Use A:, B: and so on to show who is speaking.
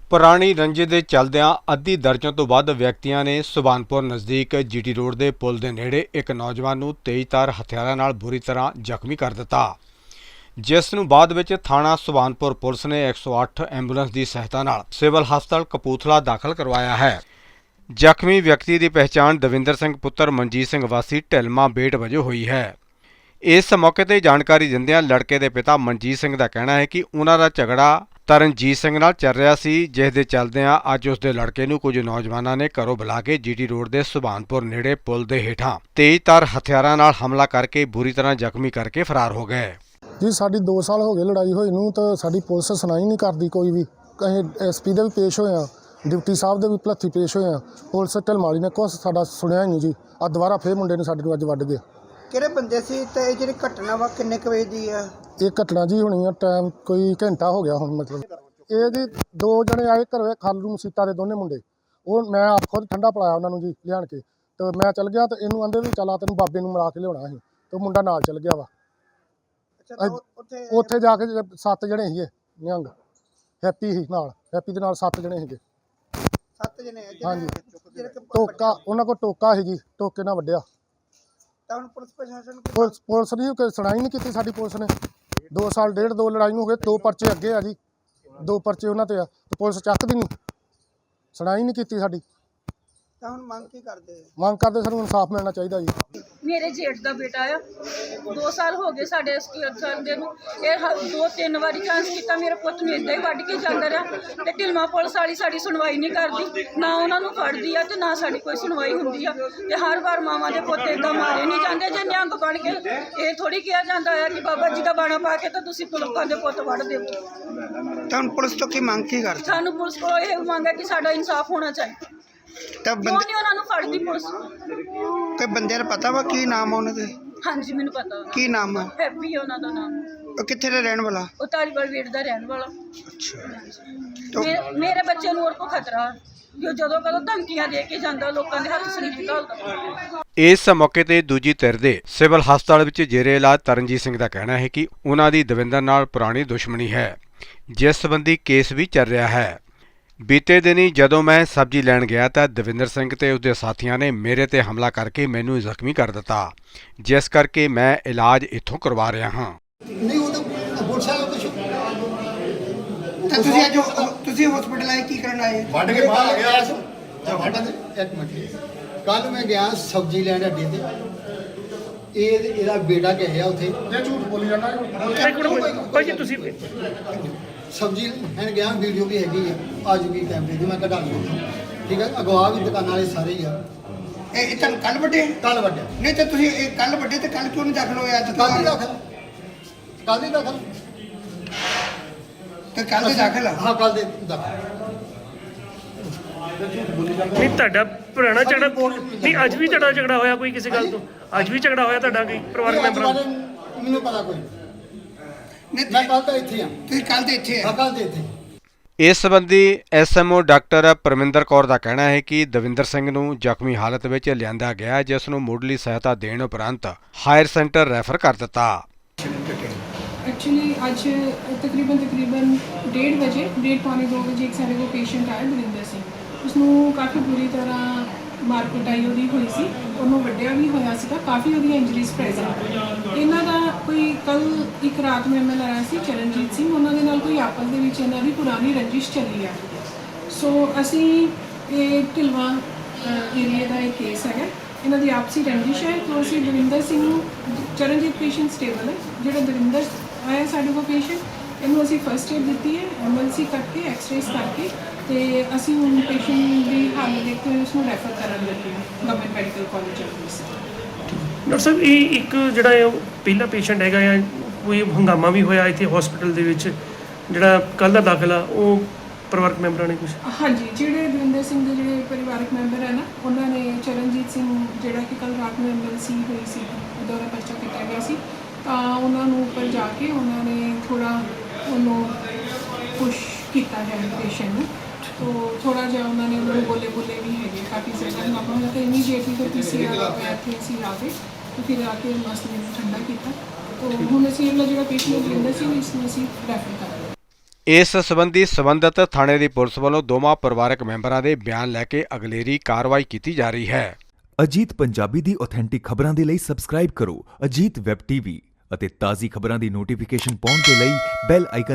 A: ਪੁਰਾਣੀ ਰੰਜਿਸ਼ ਦੇ ਚੱਲਦਿਆਂ ਅੱਧੀ ਦਰਜਨ ਤੋਂ ਵੱਧ ਵਿਅਕਤੀਆਂ ਨੇ ਸੁਭਾਨਪੁਰ ਨਜ਼ਦੀਕ ਜੀਟੀ ਰੋਡ ਦੇ ਪੁਲ ਦੇ ਨੇੜੇ ਇੱਕ ਨੌਜਵਾਨ ਨੂੰ ਤੇਜ਼ਧਾਰ ਹਥਿਆਰਾਂ ਨਾਲ ਬੁਰੀ ਤਰ੍ਹਾਂ ਜ਼ਖਮੀ ਕਰ ਦਿੱਤਾ, ਜਿਸ ਨੂੰ ਬਾਅਦ ਵਿੱਚ ਥਾਣਾ ਸੁਭਾਨਪੁਰ ਪੁਲਿਸ ਨੇ 108 ਐਂਬੂਲੈਂਸ ਦੀ ਸਹਾਇਤਾ ਨਾਲ ਸਿਵਲ ਹਸਪਤਾਲ ਕਪੂਰਥਲਾ ਦਾਖਲ ਕਰਵਾਇਆ ਹੈ। ਜ਼ਖਮੀ ਵਿਅਕਤੀ ਦੀ ਪਹਿਚਾਣ ਦਵਿੰਦਰ ਸਿੰਘ ਪੁੱਤਰ ਮਨਜੀਤ ਸਿੰਘ ਵਾਸੀ ਢਿਲਮਾ ਬੇਟ ਵਜੋਂ ਹੋਈ ਹੈ। ਇਸ ਮੌਕੇ ਤੇ ਜਾਣਕਾਰੀ ਦਿੰਦਿਆਂ ਲੜਕੇ ਦੇ ਪਿਤਾ ਮਨਜੀਤ ਸਿੰਘ ਦਾ ਕਹਿਣਾ ਹੈ ਕਿ ਉਹਨਾਂ ਦਾ ਝਗੜਾ ਤਰਨਜੀਤ ਸਿੰਘ ਨਾਲ ਚੱਲ ਰਿਹਾ ਸੀ, ਜਿਸ ਦੇ ਚੱਲਦਿਆਂ ਅੱਜ ਉਸ ਦੇ ਲੜਕੇ ਨੂੰ ਕੁਝ ਨੌਜਵਾਨਾਂ ਨੇ ਘਰੋਂ ਬੁਲਾ ਕੇ ਜੀਟੀ ਰੋਡ ਦੇ ਸੁਭਾਨਪੁਰ ਨੇੜੇ ਪੁਲ ਦੇ ਹੇਠਾਂ ਤੇਜ਼ਧਾਰ ਹਥਿਆਰਾਂ ਨਾਲ ਹਮਲਾ ਕਰਕੇ ਬੁਰੀ ਤਰ੍ਹਾਂ ਜ਼ਖਮੀ ਕਰਕੇ ਫਰਾਰ ਹੋ ਗਏ।
B: ਜੀ ਸਾਡੀ 2 ਸਾਲ ਹੋ ਗਏ ਲੜਾਈ ਹੋਈ ਨੂੰ, ਤਾਂ ਸਾਡੀ ਪੁਲਿਸ ਸੁਣਾਈ ਨਹੀਂ ਕਰਦੀ ਕੋਈ ਵੀ। ਅਸੀਂ ਐਸਪੀ ਦੇ ਵੀ ਪੇਸ਼ ਹੋਏ ਹਾਂ, ਡਿਪਟੀ ਸਾਹਿਬ ਦੇ ਵੀ ਭਲੱਥੀ ਪੇਸ਼ ਹੋਏ ਹਾਂ, ਪੁਲਿਸ ਢਿਲਮਾਲੀ ਨੇ ਕੁਛ ਸਾਡਾ ਸੁਣਿਆ ਹੀ ਨਹੀਂ ਜੀ। ਆ ਦੁਬਾਰਾ ਫੇਰ ਮੁੰਡੇ ਨੇ ਸਾਡੇ ਨੂੰ ਅੱਜ ਵੱਢ ਗਏ।
C: ਕਿਹੜੇ ਬੰਦੇ ਸੀ ਤੇ ਇਹ ਜਿਹੜੀ ਘਟਨਾ ਵਾ ਕਿੰਨੇ ਕੁ ਵਜੇ ਦੀ ਆ?
B: ਇਹ ਘਟਨਾ ਜੀ ਹੋਣੀ ਆ ਟਾਈਮ ਕੋਈ ਘੰਟਾ ਹੋ ਗਿਆ ਹੁਣ। ਮਤਲਬ ਇਹ ਜੀ 2 ਜਣੇ ਆਏ ਘਰੋਂ ਖਾਲੂ ਮਸੀਤਾ ਦੇ ਦੋਨੇ ਮੁੰਡੇ, ਉਹ ਮੈਂ ਆਪ ਖੁਦ ਠੰਡਾ ਪਿਲਾਇਆ ਉਹਨਾਂ ਨੂੰ ਜੀ ਲਿਆਣ ਕੇ, ਤੇ ਮੈਂ ਚੱਲ ਗਿਆ ਤੇ ਇਹਨੂੰ ਆਂਦੇ ਵੀ ਚੱਲ ਆ ਤੈਨੂੰ ਬਾਬੇ ਨੂੰ ਮਿਲਾ ਕੇ ਲਿਆਉਣਾ ਸੀ, ਤੇ ਮੁੰਡਾ ਨਾਲ ਚੱਲ ਗਿਆ ਵਾ। ਉੱਥੇ ਜਾ ਕੇ 7 ਜਣੇ ਸੀਗੇ, ਨਿਹੰਗ ਹੈਪੀ ਸੀ ਨਾਲ, ਹੈਪੀ ਦੇ ਨਾਲ 7 ਜਣੇ ਸੀਗੇ।
C: 7 ਜਣੇ
B: ਹਾਂਜੀ, ਟੋਕਾ ਉਹਨਾਂ ਕੋਲ ਟੋਕਾ ਸੀ ਜੀ, ਟੋਕੇ ਨਾਲ ਵੱਢਿਆ।
C: ਤਾਂ ਹੁਣ ਪੁਲਿਸ ਪ੍ਰਸ਼ਾਸਨ
B: ਪੁਲਿਸ ਦੀ ਕੋਈ ਸੁਣਾਈ ਨਹੀਂ ਕੀਤੀ ਸਾਡੀ ਪੁਲਿਸ ਨੇ। 2 ਸਾਲ ਡੇਢ 2 ਲੜਾਈ ਨੂੰ ਹੋ ਗਏ, 2 ਪਰਚੇ ਅੱਗੇ ਆ ਜੀ, 2 ਪਰਚੇ ਉਹਨਾਂ ਤੇ ਆ, ਤੇ ਪੁਲਿਸ ਚੱਕਦੀ ਨਹੀਂ, ਸੁਣਾਈ ਨਹੀਂ ਕੀਤੀ ਸਾਡੀ।
C: ਤਾਂ ਹੁਣ ਮੰਗ ਕੀ ਕਰਦੇ?
B: ਮੰਗ ਕਰਦੇ ਸਾਨੂੰ ਇਨਸਾਫ ਮਿਲਣਾ ਚਾਹੀਦਾ ਜੀ।
D: ਮੇਰੇ ਜੇਠ ਦਾ ਬੇਟਾ ਆ, 2 ਸਾਲ ਹੋ ਗਏ ਸਾਡੇ ਇਸ ਕੇਸ ਦੇ ਨੂੰ। ਇਹ 2-3 ਵਾਰੀ ਚਾਂਸ ਕੀਤਾ, ਮੇਰੇ ਪੁੱਤ ਨੂੰ ਇੱਦਾਂ ਹੀ ਵੱਢ ਕੇ ਜਾਂਦਾ ਰਿਹਾ, ਤੇ ਢਿਲਮਾ ਪੁਲਿਸ ਵਾਲੀ ਸਾਡੀ ਸੁਣਵਾਈ ਨਹੀਂ ਕਰਦੀ, ਨਾ ਉਹਨਾਂ ਨੂੰ ਫੜਦੀ ਆ ਤੇ ਨਾ ਸਾਡੀ ਕੋਈ ਸੁਣਵਾਈ ਹੁੰਦੀ ਆ। ਤੇ ਹਰ ਵਾਰ ਮਾਵਾਂ ਦੇ ਪੁੱਤ ਇੱਦਾਂ ਮਾਰੇ ਨਹੀਂ ਜਾਂਦੇ। ਜੇ ਨਿਹੰਗ ਬਣ ਕੇ ਇਹ ਥੋੜੀ ਕਿਹਾ ਜਾਂਦਾ ਹੈ ਕਿ ਬਾਬਾ ਜੀ ਦਾ ਬਾਣਾ ਪਾ ਕੇ ਤਾਂ ਤੁਸੀਂ ਲੋਕਾਂ ਦੇ ਪੁੱਤ ਵੱਢ ਦਿਓ।
C: ਤਾਂ ਹੁਣ ਪੁਲਿਸ ਤੋਂ ਕੀ ਮੰਗ ਕੀ ਕਰਦੇ?
D: ਸਾਨੂੰ ਪੁਲਿਸ ਕੋਲ ਇਹ ਮੰਗ ਹੈ ਕਿ ਸਾਡਾ ਇਨਸਾਫ ਹੋਣਾ ਚਾਹੀਦਾ।
C: ਤਾਂ
D: ਕਿਉਂ ਨਹੀਂ ਉਹਨਾਂ ਨੂੰ ਫੜਦੀ ਪੁਲਿਸ?
C: ਤੇ ਬੰਦੇ ਦਾ ਪਤਾ ਵਾ ਕੀ ਨਾਮ ਆ ਉਹਨਾਂ ਦੇ?
D: ਹਾਂਜੀ ਮੈਨੂੰ ਪਤਾ ਵਾ।
C: ਕੀ ਨਾਮ ਆ?
D: ਹੈਪੀ ਉਹਨਾਂ ਦਾ ਨਾਮ।
C: ਉਹ ਕਿੱਥੇ ਦਾ ਰਹਿਣ ਵਾਲਾ?
D: ਉਹ ਧਾਰੀਵਾਲ ਵੇਟ ਦਾ ਰਹਿਣ ਵਾਲਾ।
C: ਤਾਂ
D: ਮੇਰੇ ਬੱਚੇ ਨੂੰ ਹੋਰ ਕੋ ਖਤਰਾ ਜੋ ਜਦੋਂ ਕਦੋਂ ਧਮਕੀਆਂ ਦੇ ਕੇ ਜਾਂਦਾ, ਲੋਕਾਂ ਦੇ ਹੱਥ ਸਰੀਰ ਘਾਲਦਾ।
A: ਇਸ ਮੌਕੇ ਤੇ ਦੂਜੀ ਧਿਰ ਦੇ ਸਿਵਲ ਹਸਪਤਾਲ ਵਿੱਚ ਜੇਰੇ ਇਲਾਜ ਤਰਨਜੀਤ ਸਿੰਘ ਦਾ ਕਹਿਣਾ ਹੈ ਕਿ ਉਹਨਾਂ ਦੀ ਦਵਿੰਦਰ ਨਾਲ ਪੁਰਾਣੀ ਦੁਸ਼ਮਣੀ ਹੈ, ਜਿਸ ਸੰਬੰਧੀ ਕੇਸ ਵੀ ਚੱਲ ਰਿਹਾ ਹੈ। ਬੀਤੇ ਦਿਨੀ ਜਦੋਂ ਮੈਂ ਸਬਜ਼ੀ ਲੈਣ ਗਿਆ ਤਾਂ ਦਵਿੰਦਰ ਸਿੰਘ ਤੇ ਉਸਦੇ ਸਾਥੀਆਂ ਨੇ ਮੇਰੇ ਤੇ ਹਮਲਾ ਕਰਕੇ ਮੈਨੂੰ ਜ਼ਖਮੀ ਕਰ ਦਿੱਤਾ, ਜਿਸ ਕਰਕੇ ਮੈਂ ਇਲਾਜ ਇੱਥੋਂ ਕਰਵਾ ਰਿਹਾ ਹਾਂ।
E: ਨਹੀਂ ਉਹ ਤਾਂ ਪੁਲਿਸ ਵਾਲਾ ਕੁਝ
C: ਤਾਂ ਤੁਸੀਂ ਅੱਜ ਤੁਸੀਂ ਹਸਪੀਟਲ ਆਏ ਕੀ ਕਰਨ ਆਏ?
E: ਵੱਢ ਕੇ ਬਾਹਰ ਆ ਗਿਆ ਜਾਂ ਵੱਢ ਦੇ। ਇੱਕ ਮਿੰਟ, ਕੱਲ ਮੈਂ ਗਿਆ ਸਬਜ਼ੀ ਲੈਣ ਅੱਡੇ ਤੇ, ਇਹਦਾ ਬੇਟਾ ਗਿਆ ਉੱਥੇ।
B: ਇਹ ਝੂਠ ਬੋਲੀ ਜਾਂਦਾ
F: ਭਾਜੀ ਤੁਸੀਂ
E: ਸਬਜ਼ੀ ਲੈਣ ਗਿਆ, ਵੀਡੀਓ ਵੀ ਹੈਗੀ ਆ ਜੂਗੀ ਕੈਮਰੇ ਦੀ, ਮੈਂ ਕਢਾ ਲਈ। ਠੀਕ ਹੈ, ਅਗਵਾ ਵੀ ਦੁਕਾਨਾਂ ਵਾਲੇ ਸਾਰੇ ਹੀ ਆ।
C: ਇਹ ਤਾਂ ਕੱਲ ਵੱਡੇ?
E: ਕੱਲ ਵੱਢਿਆ
C: ਨਹੀਂ ਤਾਂ ਤੁਸੀਂ ਇਹ ਕੱਲ ਵੱਡੇ ਤੇ ਕੱਲ ਕਿਉਂ ਨਹੀਂ ਦਾਖਲ ਹੋਇਆ?
E: ਕੱਲ ਹੀ ਦਾਖਲ, ਕੱਲ ਹੀ ਦਾਖਲ,
C: ਤੇ ਕੱਲ ਦੇ ਦਾਖਲ ਆ?
E: ਹਾਂ ਕੱਲ ਦੇ ਦਾਖਲ।
F: ਨਹੀਂ ਤੁਹਾਡਾ ਪੁਰਾਣਾ ਝਗੜਾ ਨਹੀਂ, ਅੱਜ ਵੀ ਤੁਹਾਡਾ ਝਗੜਾ ਹੋਇਆ ਕੋਈ ਕਿਸੇ ਗੱਲ ਤੋਂ? ਅੱਜ ਵੀ ਝਗੜਾ ਹੋਇਆ ਤੁਹਾਡਾ ਕੋਈ ਪਰਿਵਾਰਕ ਮੈਂਬਰਾਂ ਨਾਲ?
E: ਮੈਨੂੰ ਪਤਾ ਕੋਈ
C: ਨਹੀਂ
E: ਮੈਂ ਕੱਲ ਤਾਂ ਇੱਥੇ ਆ।
C: ਤੁਸੀਂ ਕੱਲ ਦੇ ਇੱਥੇ ਆ?
E: ਹਾਂ ਕੱਲ ਦੇ ਇੱਥੇ।
A: ਇਸ ਸੰਬੰਧੀ ਐਸਐਮਓ ਡਾਕਟਰ ਪਰਮਿੰਦਰ ਕੌਰ ਦਾ ਕਹਿਣਾ ਹੈ ਕਿ ਦਵਿੰਦਰ ਸਿੰਘ ਨੂੰ ਜ਼ਖਮੀ ਹਾਲਤ ਵਿੱਚ ਲਿਆਂਦਾ ਗਿਆ, ਜਿਸ ਨੂੰ ਮੁੱਢਲੀ ਸਹਾਇਤਾ ਦੇਣ ਉਪਰੰਤ ਹਾਇਰ ਸੈਂਟਰ ਰੈਫਰ ਕਰ ਦਿੱਤਾ।
G: एक्चुअली आज तकरीबन 1:30 ਵਜੇ 1:30-2 ਵਜੇ ਇੱਕ ਸਾਡੇ ਕੋਲ ਪੇਸ਼ੈਂਟ ਆਇਆ ਦਵਿੰਦਰ ਸਿੰਘ। ਉਸਨੂੰ ਕਾਫੀ ਬੁਰੀ ਤਰ੍ਹਾਂ ਮਾਰ ਕੁਟਾਈ ਉਹਦੀ ਹੋਈ ਸੀ, ਉਹਨੂੰ ਵੱਢਿਆ ਵੀ ਹੋਇਆ ਸੀਗਾ, ਕਾਫੀ ਉਹਦੀਆਂ ਇੰਜਰੀਜ਼ ਪ੍ਰੈਜ਼ੈਂਟ। ਇਹਨਾਂ ਦਾ ਕੋਈ ਕੱਲ ਇੱਕ ਰਾਤ ਨੂੰ ਐਮਐਲ ਆਇਆ ਸੀ ਚਰਨਜੀਤ ਸਿੰਘ, ਉਹਨਾਂ ਦੇ ਨਾਲ ਕੋਈ ਆਪਸ ਦੇ ਵਿੱਚ ਇਹਨਾਂ ਦੀ ਪੁਰਾਣੀ ਰੰਜਿਸ਼ ਚੱਲੀ ਆ। ਸੋ ਅਸੀਂ ਇਹ ਢਿਲਵਾ ਏਰੀਆ ਦਾ ਇਹ ਕੇਸ ਹੈਗਾ, ਇਹਨਾਂ ਦੀ ਆਪਸੀ ਰੰਜਿਸ਼ ਹੈ। ਤਾਂ ਅਸੀਂ ਦਵਿੰਦਰ ਸਿੰਘ ਨੂੰ, ਚਰਨਜੀਤ ਪੇਸ਼ੈਂਟ ਸਟੇਬਲ ਹੈ, ਜਿਹੜਾ ਦਵਿੰਦਰ ਆਇਆ ਸਾਡੇ ਕੋਲ ਪੇਸ਼ੈਂਟ, ਇਹਨੂੰ ਅਸੀਂ ਫਸਟ ਏਡ ਦਿੱਤੀ ਹੈ, ਐਮਐਲਸੀ ਕਰਕੇ ਐਕਸਰੇਸ ਕਰਕੇ, ਤੇ ਅਸੀਂ ਹੁਣ ਪੇਸ਼ੈਂਟ ਦੀ ਹਾਲਤ ਦੇਖਦੇ ਹੋਏ ਉਸਨੂੰ ਰੈਫਰ ਕਰਨ ਲੱਗੇ ਹਾਂ government medical college Amritsar.
F: Doctor ਸਾਹਿਬ ਇਹ ਇੱਕ ਜਿਹੜਾ ਹੈ ਉਹ ਪਹਿਲਾ ਪੇਸ਼ੈਂਟ ਹੈਗਾ ਆ, ਕੋਈ ਹੰਗਾਮਾ ਵੀ ਹੋਇਆ ਇੱਥੇ ਹਸਪੀਟਲ ਦੇ ਵਿੱਚ, ਜਿਹੜਾ ਕੱਲ੍ਹ ਦਾ ਦਾਖਲਾ ਉਹ ਪਰਿਵਾਰਕ ਮੈਂਬਰਾਂ ਨੇ ਕੁਝ?
G: ਹਾਂਜੀ, ਜਿਹੜੇ ਦਵਿੰਦਰ ਸਿੰਘ ਦੇ ਜਿਹੜੇ ਪਰਿਵਾਰਕ ਮੈਂਬਰ ਹੈ ਨਾ, ਉਹਨਾਂ ਨੇ ਚਰਨਜੀਤ ਸਿੰਘ ਜਿਹੜਾ ਕਿ ਕੱਲ੍ਹ ਰਾਤ ਨੂੰ ਐਮਐਲਸੀ ਹੋਈ ਸੀ, ਉਹਦਾ ਪਰਚਾ ਕੀਤਾ ਗਿਆ ਸੀ, ਤਾਂ ਉਹਨਾਂ ਨੂੰ ਉੱਪਰ ਜਾ ਕੇ ਉਹਨਾਂ ਨੇ ਥੋੜ੍ਹਾ ਉਹਨੂੰ ਪੁਸ਼ ਕੀਤਾ ਹੈ ਪੇਸ਼ੈਂਟ ਨੂੰ। तो थोड़ा जहा उन्होंने उन्होंने बोले भी है काफ़ी ज़्यादा हंगामा होया, तो इमीडिएटली फिर PCR आया थे असी आ गए, तो फिर आके मसले में ठंडा किया। तो हुण असीं अगला जो पेशेंट दविंदर सिंह इसमें असीं रैफर कर रहे हैं।
A: ਇਸ ਸੰਬੰਧੀ ਸੰਬੰਧਿਤ ਥਾਣੇ ਦੀ ਪੁਲਿਸ ਵੱਲੋਂ ਦੋਵਾਂ ਪਰਿਵਾਰਕ ਮੈਂਬਰਾਂ ਦੇ ਬਿਆਨ ਲੈ ਕੇ ਅਗਲੇਰੀ ਕਾਰਵਾਈ ਕੀਤੀ ਜਾ ਰਹੀ ਹੈ।
H: ਅਜੀਤ ਪੰਜਾਬੀ ਦੀ ਆਥੈਂਟਿਕ ਖਬਰਾਂ ਦੇ ਲਈ ਸਬਸਕ੍ਰਾਈਬ ਕਰੋ ਅਜੀਤ ਵੈਬ ਟੀਵੀ ਅਤੇ ਤਾਜ਼ੀ ਖਬਰਾਂ ਦੀ ਨੋਟੀਫਿਕੇਸ਼ਨ ਪਾਉਣ ਦੇ ਲਈ ਬੈਲ ਆਈਕਨ